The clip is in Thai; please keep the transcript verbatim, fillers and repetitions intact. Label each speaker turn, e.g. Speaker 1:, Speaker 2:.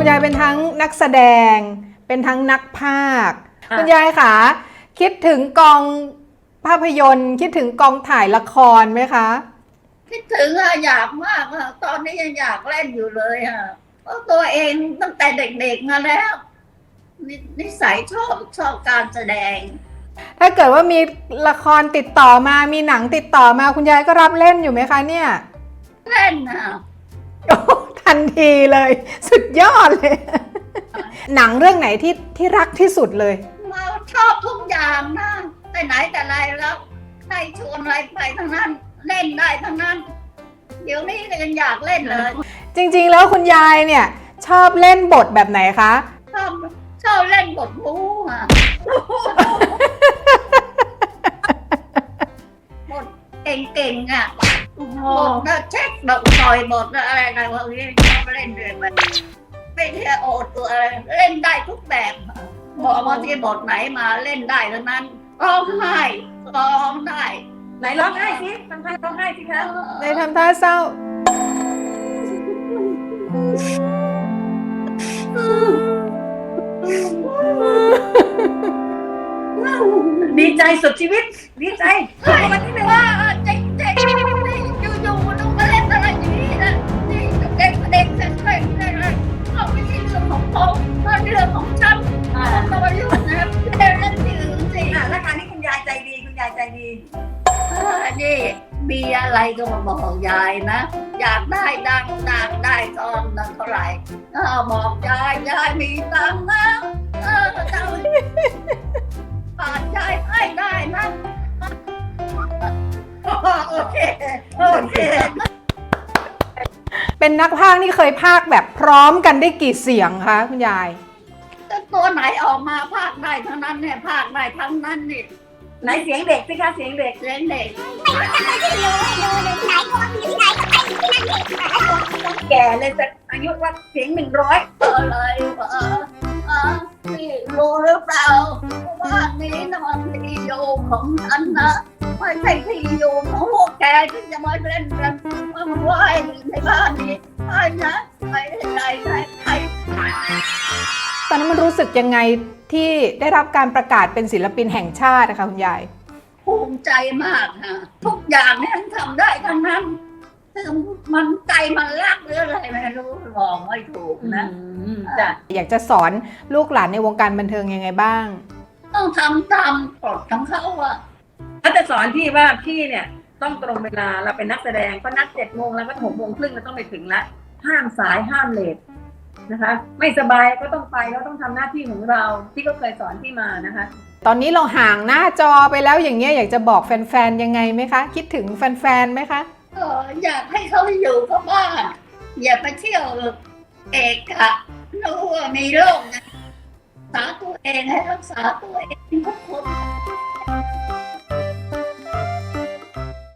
Speaker 1: ยายเป็นทั้งนักแสดงเป็นทั้งนักพากย์คุณยายคะคิดถึงกองภาพยนตร์คิดถึงกองถ่ายละครไหมคะ
Speaker 2: คิดถึงอะอยากมากอะตอนนี้ยังอยากเล่นอยู่เลยอะเพราะตัวเองตั้งแต่เด็กๆมาแล้วนนิสัยชอบชอบการแสดง
Speaker 1: ถ้าเกิดว่ามีละครติดต่อมามีหนังติดต่อมาคุณยายก็รับเล่นอยู่ไหมคะเนี่ย
Speaker 2: เล่นอะ
Speaker 1: โอ้ทันทีเลยสุดยอดเลยหนังเรื่องไหนที่ที่รักที่สุดเลย
Speaker 2: มาชอบทุกอย่างนะไปไหนแต่ไรแล้วใครชวนอะไรไปทั้งนั้นเล่นได้ทั้งนั้นเดี๋ยวนี้ก็ยังอยากเล่นเลย
Speaker 1: จริงๆแล้วคุณยายเนี่ยชอบเล่นบทแบบไหนคะ
Speaker 2: ชอบชอบเล่นบทบู๊อะบทเก่งๆอ่ะบทนะเช็คบทต่อยบทอะไรอะไรพวกนี้ชอบเล่นเลยมันไม่ใช่โอดตัวอะไรเล่นได้ทุกแบบบอกว่าที่บทไหนมาเล่นได้ทั้งนั้นร้องไห้ร้องได้
Speaker 3: ไหนร้องไห้สิทำท่าร้องไห้สิคะ
Speaker 1: ไหนทำท่าเศร้า
Speaker 3: ดีใจสุดชีวิตดีใจ
Speaker 2: วันนี้เลยว่าเจ๊เจ๊อยู่ๆต้องมาเล่นอะไรอย่างนี้นะนี่เด็กเด็กเด็กเด็กเด็กเลยเขาไม่ใช่เรื่องของเขาเรื่องของฉันต้องมายุ่งนะเล่นเล่นที่อื่นสิ
Speaker 3: แล้วการที่คุณยายใจดีคุณยายใจดี
Speaker 2: นี่มีอะไรก็มาบอกยายนะอยากได้ดังดังได้ตอนนั้นเท่าไหร่บอกยายยายมีตังค์นะเออเจ้าปาดยายให้ได้นะโอเคโอเค
Speaker 1: เป็นนักพากย์นี่เคยพากย์แบบพร้อมกันได้กี่เสียงคะคุณยาย
Speaker 2: ตัวไหนออกมาพากย์ได้ทั้งนั้นเนี่ยพากย์ได้ทั้งนั้นนี่
Speaker 3: ไหนเสียงเด็กสิคะเสียงเด็ก
Speaker 2: เสียงเด็ก
Speaker 3: แก่เลยแต่อายุว่าเสียงหนึ่งร้อย
Speaker 2: อะไรวะนี่รู้หรือเปล่าว่านี้นะมันที่อยู่ของฉันนะไม่ใช่ที่อยู่ของพวกแกที่จะมาเล่นกันมาไหว้ในบ้านนี้ใช่นะใครใครใครใคร
Speaker 1: ตอนนั้นมันรู้สึกยังไงที่ได้รับการประกาศเป็นศิลปินแห่งชาตินะคะคุณยาย
Speaker 2: ภูมิใจมากค่ะทุกอย่างเนี่ยทำได้ทั้งนั้นคือมันใจมันรักหรืออะไรไม่รู้บอกไม่ถูกนะ
Speaker 1: จ้ะอยากจะสอนลูกหลานในวงการบันเทิงยังไงบ้าง
Speaker 2: ต้องทำตามกฎของเขาอะ
Speaker 3: ถ้าจะสอนพี่ว่าพี่เนี่ยต้องตรงเวลาเราเป็นนักแสดงก็นัดเจ็ดโมงแล้วก็หกโมงครึ่งเราต้องไปถึงละห้ามสายห้ามเลทนะคะไม่สบายก็ต้องไปเราต้องทำหน้าที่ของเราที่ก็เคยสอนพี่มานะคะ
Speaker 1: ตอนนี้เราห่างหน้าจอไปแล้วอย่างเงี้ยอยากจะบอกแฟนๆยังไงไหมคะคิดถึงแฟนๆไหมคะ
Speaker 2: เอออยากให้เขาอยู่กับบ้านอย่าไปเที่ยวเอกอะรู้ว่ามีโรคนะรักษาตัวเองให้รักษาตัวเองทุกคน